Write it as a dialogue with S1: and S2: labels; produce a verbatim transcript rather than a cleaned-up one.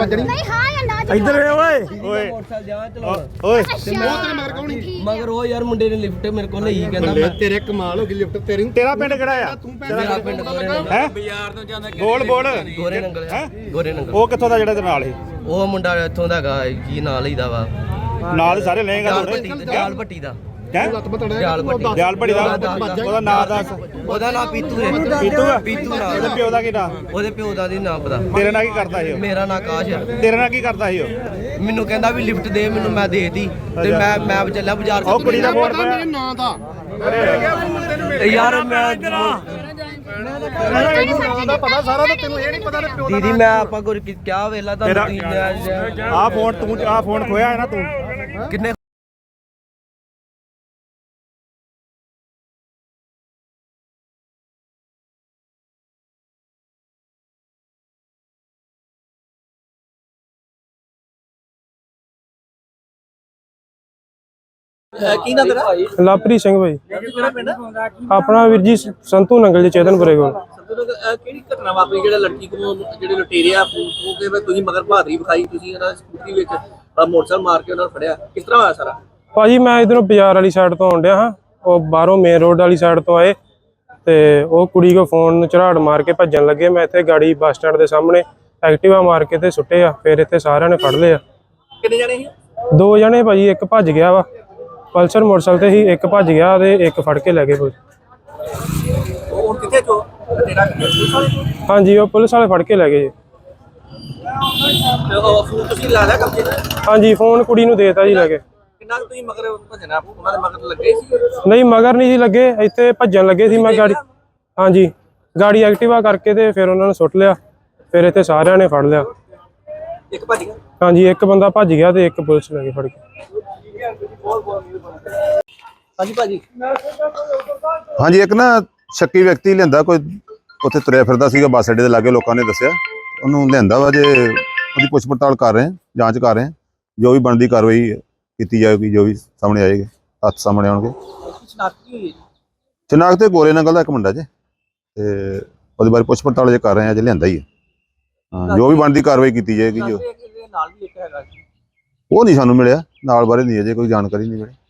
S1: नहीं हां या ना
S2: इधर ओए ओए
S3: मोटरसाइकिल जावां चलाउण
S2: ओए
S1: मगर कौन
S3: मगर वो यार मुंडे ने लिफ्ट मेरे को ਲਈ ਕਹਿੰਦਾ
S4: तेरे कमाल हो गई लिफ्ट तेरी
S2: तेरा पिंड किहड़ा आ
S3: ਮੇਰਾ ਪਿੰਡ ਗੋਰੇ ਨੰਗਲ
S2: है
S5: ਬਾਜ਼ਾਰ ਤੋਂ ਜਾਂਦਾ
S2: बोल बोल
S3: ਗੋਰੇ ਨੰਗਲ
S2: ਹੈ
S3: ਗੋਰੇ ਨੰਗਲ
S2: ਉਹ ਕਿੱਥੋਂ ਦਾ ਜਿਹੜਾ ਤੇ ਨਾਲ ਸੀ
S3: ਉਹ ਮੁੰਡਾ ਇੱਥੋਂ ਦਾ ਹੈਗਾ ਕੀ ਨਾਂ ਲਈਦਾ ਵਾ
S2: ਨਾਲ ਦੇ ਸਾਰੇ ਲਏਗਾ
S3: ਦਿਆਲ
S2: ਤੁਹਾਡੇ
S3: ਭੱਟੀ ਦਿਆਲ ਭੱਟੀ ਦਾ
S2: ਹੈ
S3: ਦਿਆਲ ਭੱਟੀ
S2: ਦਿਆਲ ਭੜੀ ਦਾ ਉਹਦਾ ਨਾਂ ਦੱਸ
S3: ਉਹਦਾ ਨਾਂ ਪੀਤੂ ਹੈ
S2: ਪੀਤੂ ਆ
S3: ਪੀਤੂ ਨਾਂ
S2: ਉਹਦੇ ਪਿਓ ਦਾ ਕੀ ਨਾਂ
S3: ਉਹਦੇ ਪਿਓ ਦਾ ਨਹੀਂ ਨਾਂ ਪਤਾ
S2: ਤੇਰੇ ਨਾਲ ਕੀ ਕਰਦਾ ਸੀ ਉਹ
S3: ਮੇਰਾ ਨਾਂ ਆਕਾਸ਼ ਹੈ
S2: ਤੇਰੇ ਨਾਲ ਕੀ ਕਰਦਾ ਸੀ ਉਹ
S3: ਮੈਨੂੰ ਕਹਿੰਦਾ ਵੀ ਲਿਫਟ ਦੇ ਮੈਨੂੰ ਮੈਂ ਦੇਤੀ ਤੇ ਮੈਂ ਮੈਂ ਚੱਲਿਆ ਬਾਜ਼ਾਰ
S2: ਉਹ ਕੁੜੀ ਦਾ ਫੋਨ ਪਿਆ
S4: ਮੇਰੇ ਨਾਂ ਦਾ
S3: ਯਾਰ ਮੈਂ
S4: ਦਾ ਪਤਾ ਸਾਰਾ ਤਾਂ ਤੈਨੂੰ ਇਹ ਨਹੀਂ ਪਤਾ ਪਿਓ ਦਾ
S3: ਦੀਦੀ ਮੈਂ ਆਪਾਂ ਗੁਰ ਕਿਆ ਵੇਲਾ
S2: ਤੇਰਾ
S3: ਤੁਹਾਨੂੰ
S2: ਆ ਫੋਨ ਤੂੰ ਆ ਫੋਨ ਖੋਇਆ ਹੈ ਨਾ ਤੂੰ
S3: ਕਿੰਨੇ
S5: ਕੀ ਨਾ ਤੇਰਾ
S6: ਲਾਪਰੀ ਸਿੰਘ ਭਾਈ
S5: ਕਿਹੜਾ ਪਿੰਡ
S6: ਆਪਣਾ ਵੀਰ ਜੀ ਸੰਤੂ ਨੰਗਲ ਜੀ ਚੇਤਨਪੁਰੇ ਕੋਲ
S5: ਕਿਹੜੀ ਘਟਨਾ ਵਾਪਰੀ ਜਿਹੜਾ ਲੜਕੀ ਕੋਲ ਜਿਹੜੇ ਲੁਟੇਰੇ ਆ ਉਹ ਕਿ ਤੁਸੀਂ ਮਗਰ ਬਹਾਦਰੀ ਵਿਖਾਈ ਤੁਸੀਂ ਉਹਨਾਂ ਸਕੂਟਰੀ ਵਿੱਚ ਮੋਟਰਸਾਈਕਲ ਮਾਰ ਕੇ ਉਹਨਾਂ ਨੂੰ ਫੜਿਆ ਕਿਸ ਤਰ੍ਹਾਂ ਹੋਇਆ ਸਾਰਾ
S6: ਭਾਜੀ ਮੈਂ ਇਧਰੋਂ ਬਾਜ਼ਾਰ ਵਾਲੀ ਸਾਈਡ ਤੋਂ ਆਉਣ ਡਿਆ ਹਾਂ ਉਹ ਬਾਹਰੋਂ ਮੇਨ ਰੋਡ ਵਾਲੀ ਸਾਈਡ ਤੋਂ ਆਏ ਤੇ ਉਹ ਕੁੜੀ ਕੋ ਫੋਨ ਝਰਾੜ ਮਾਰ ਕੇ ਭੱਜਣ ਲੱਗੇ ਮੈਂ ਇੱਥੇ ਗਾੜੀ ਬੱਸ ਸਟੈਂਡ ਦੇ ਸਾਹਮਣੇ ਐਕਟਿਵਾ ਮਾਰ ਕੇ ਤੇ ਸੁੱਟੇ ਆ ਫਿਰ ਇੱਥੇ ਸਾਰਿਆਂ ਨੇ ਫੜ ਲਿਆ
S5: ਕਿੰਨੇ ਜਣੇ ਸੀ
S6: ਦੋ ਜਣੇ ਭਾਜੀ ਇੱਕ ਭੱਜ ਗਿਆ ਵਾ ਪਲਸਰ ਮੋਟਰਸਾਈਕਲ ਤੇ ਹੀ ਇੱਕ ਭੱਜ ਗਿਆ ਤੇ ਇੱਕ ਫੜ ਕੇ ਲੈ ਗਏ ਕੋਈ
S5: ਉਹ ਹੁਣ ਕਿੱਥੇ ਚੋ ਤੇਰਾ ਪੁਲਿਸ ਵਾਲੇ ਕੋਲ?
S6: ਹਾਂਜੀ ਉਹ ਪੁਲਿਸ ਵਾਲੇ ਫੜ ਕੇ ਲੈ ਗਏ ਜੀ
S5: ਤੇ ਉਹ ਫੋਨ ਤੁਸੀਂ ਲਾ ਲਿਆ ਕਬਜ਼ੇ ਤੇ
S6: ਹਾਂਜੀ ਫੋਨ ਕੁੜੀ ਨੂੰ ਦੇਤਾ ਜੀ ਲੈ ਕੇ
S5: ਕਿੰਨਾ ਕੁ ਤੁਸੀਂ ਮਗਰ ਭਜਣਾ ਉਹਨਾਂ ਦੇ ਮਗਰ ਲੱਗੇ ਸੀ
S6: ਨਹੀਂ ਮਗਰ ਨਹੀਂ ਸੀ ਲੱਗੇ ਇੱਥੇ ਭੱਜਣ ਲੱਗੇ ਸੀ ਮੈਂ ਗਾੜੀ ਹਾਂਜੀ ਗਾੜੀ ਐਕਟਿਵਾ ਕਰਕੇ ਤੇ ਫਿਰ ਉਹਨਾਂ ਨੂੰ ਸੁੱਟ ਲਿਆ ਫਿਰ ਇੱਥੇ ਸਾਰਿਆਂ ਨੇ ਫੜ ਲਿਆ
S5: ਇੱਕ ਭੱਜ ਗਿਆ
S6: ਹਾਂਜੀ ਇੱਕ ਬੰਦਾ ਭੱਜ ਗਿਆ ਤੇ ਇੱਕ ਪੁਲਿਸ ਲੈ ਕੇ ਫੜ ਕੇ
S5: ਹਾਂਜੀ ਭਾਜੀ
S7: ਹਾਂਜੀ ਇੱਕ ਨਾ ਸ਼ੱਕੀ ਵਿਅਕਤੀ ਲਿਆਂਦਾ ਕੋਈ ਉੱਥੇ ਤੁਰਿਆ ਫਿਰਦਾ ਸੀਗਾ ਬੱਸ ਅੱਡੇ ਦੇ ਲਾਗੇ ਲੋਕਾਂ ਨੇ ਦੱਸਿਆ ਉਹਨੂੰ ਲਿਆਂਦਾ ਵਾ ਜੇ ਉਹਦੀ ਪੁੱਛ ਪੜਤਾਲ ਕਰ ਰਹੇ ਹਾਂ ਜਾਂਚ ਕਰ ਰਹੇ ਹਾਂ ਜੋ ਵੀ ਬਣਦੀ ਕਾਰਵਾਈ ਕੀਤੀ ਜਾਏਗੀ ਜੋ ਵੀ ਸਾਹਮਣੇ ਆਏਗੀ ਹੱਥ ਸਾਹਮਣੇ ਆਉਣਗੇ
S5: ਸ਼ਨਾਖਤੀ ਹੋਈ ਹੈ
S7: ਚਨਾਕ ਤੇ ਗੋਰੇ ਨੰਗਲ ਦਾ ਇੱਕ ਮੁੰਡਾ ਜੇ ਤੇ ਉਹਦੇ ਬਾਰੇ ਪੁੱਛ ਪੜਤਾਲ ਜੇ ਕਰ ਰਹੇ ਹਾਂ ਜੇ ਲਿਆਂਦਾ ਹੀ ਹੈ ਹਾਂ ਜੋ ਵੀ ਬਣਦੀ ਕਾਰਵਾਈ ਕੀਤੀ ਜਾਏਗੀ ਜੋ
S5: ਨਾਲ ਵੀ ਇੱਕ ਹੈਗਾ
S7: ਉਹ ਨਹੀਂ ਸਾਨੂੰ ਮਿਲਿਆ ਨਾਲ ਬਾਰੇ ਨਹੀਂ ਅਜੇ ਕੋਈ ਜਾਣਕਾਰੀ ਨਹੀਂ ਮਿਲੀ